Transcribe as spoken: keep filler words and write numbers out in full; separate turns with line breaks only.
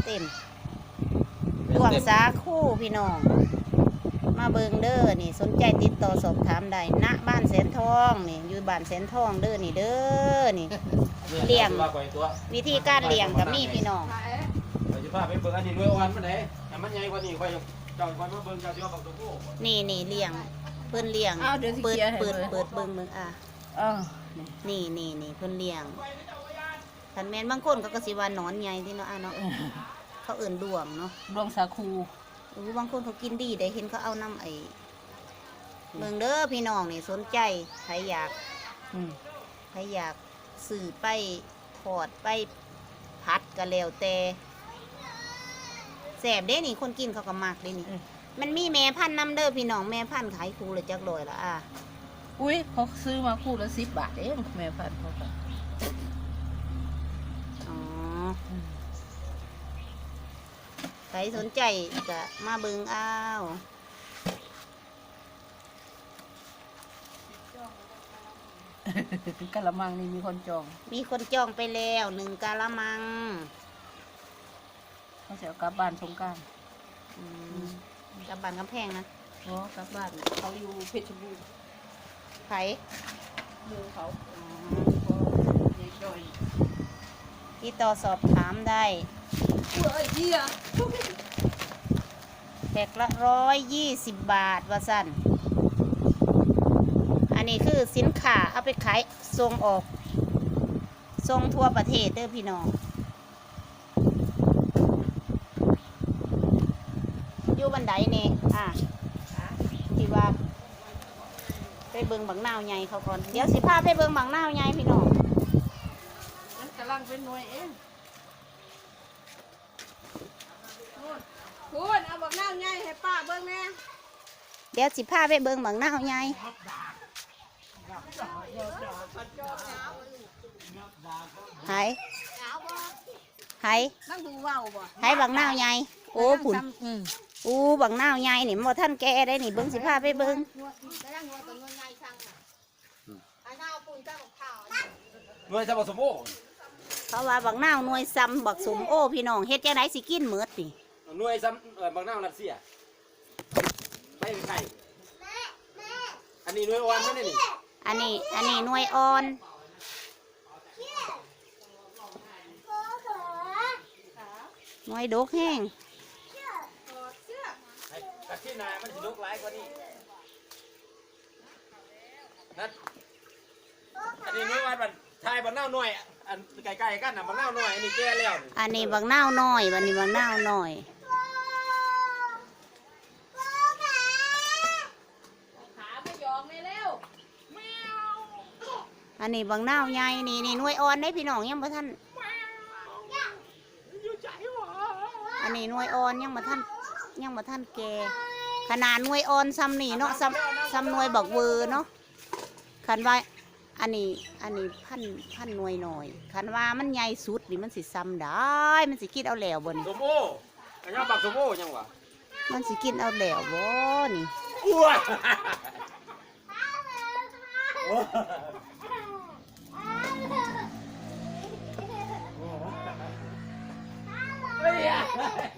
เต็มดวงสาคู่พี่น้องมาเบิงเด้อนี่สนใจติดต่อสอบถามได้ณบ้านแสนทองนี่อยู่บ้านแสนทองเด้อนี่เด้อนี่เลี้ยงวิธีการเลี้ยงกับมีพี่น้อง
เราจะพาไปเบิ่งอันนี้ด้วยวันมันไหนแต่มันใหญ่กว่านี้ค่อยเจ้าค่อยมาเบิ่งเจ้าสิว่าบักตัวผู้
นี่นี่เลี้ยงเพิ่นเลี้ยงเปิดเปิดเปิดเบิ่งเบิ่งอ่ะนี่นี่นี่เพิ่นเลี้ยงคันแม่นบางคนก็ก็สิว่าหนอนใหญ่ที่เนาะอ่ะเนาะเขาเอิ่นดวงเนาะ
ดวงสาคู
อู้บางคนเขากินดีได้เห็นเขาเอาน้ำไอ้เบิ่งเด้อพี่น้องนี่สนใจใครอยากใครอยากสื่อไปทอดไปพัดก็แล้วแต่แสบเด้นี่คนกินเขาก็มักเด้นี่มันมีแม่พันธุ์นำเด้อพี่น้องแม่พันธุ์ขายคู่ละจักร้อยละอ่ะ
อุ้ยเขาซื้อมาคู่ละสิบบาทเองแม่พันธุ์เขาก็
อ๋อใครสนใจก็มาเบิ่งเอา
กะละมังนี่มีคนจอง
มีคนจองไปแล้วหนึ่งกะละมัง
เขาจะกลับบ้านสงกรานต์
กลับบ้านกำแพงนะ
อ๋อกลับบ้านเขาอยู่เพชรบูรณ์
ไผ่
มือเขา
ที่ต่อสอบถามได้แพ็คละร้อยยี่สิบบาทว่าสั้นอันนี้คือสินค้าเอาไปขายส่งออกส่งทั่วประเทศเด้อพี่น้องอยู่บันไดนี่อ่ะที่ว่าไปเบิ่งบังนาวใหญ่เขาก่อนเดี๋ยวสิพาไปเบิ่งบังนาวใหญ่พี่น้อง
มันกำลังเป็นหน่วยเองคุณเอาบังนาวใหญ่ให้ป้าเบิ่งแม่
เดี๋ยวสิพาไปเบิ่งบังนาวใหญ่หายหาย
นั่งดูว่าวบ่
หายบังนาวใหญ่โอ้ผุนอู้บังนาวใหญ่นี่บ่ท่านแกได้นี่เบิ่งสิพาไปเบิ่ง
หน่วยจะบักสมโอ
เขาว่าบังนาวหน่วยซ้ำบักสมโอพี่น้องเฮ็ดจังไดสิกินหมดนี่
หน่วยซ้ำบักนาวรัสเซียไม่มีใครอันนี้หน่วยอ่อนนั่นนี่
อันนี้อันนี้หน่วยอ่อนหน่วยดกแห้ง
กระที่นายมันสิดกหลายกว่านี้นั่นอันนี้หน่วยอ่อนมันทายบักนาวหน่วยอันใกล้ๆกันน่ะบักนาวหน่อยอันนี้แก่แล้ว
อันนี้บักนาวน้อยบัดนี้บักนาวน้อยอันนี้บางนาวใหญ่นี่นี่หน่วยอ่อนได้พี่น้องยังบ่ท่านอันนี้หน่วยอ่อนยังบ่ท่านยังบ่ท่านแก่ขนาดหน่วยอ่อนซ้ำนี่เนาะซ้ำซ้ำหน่วยบักเวอร์เนาะคันว่าอันนี้อันนี้พันพันหน่วยหน่อยคันว่ามันใหญ่สุดนี่มันสิซ้ำได้มันสิกินเอาแล้วบ่นี่
สมโออันนี้บักสมโอยังวะ
มันสิกินเอาแล้วบ่นี่
อ้วนเฮ้ย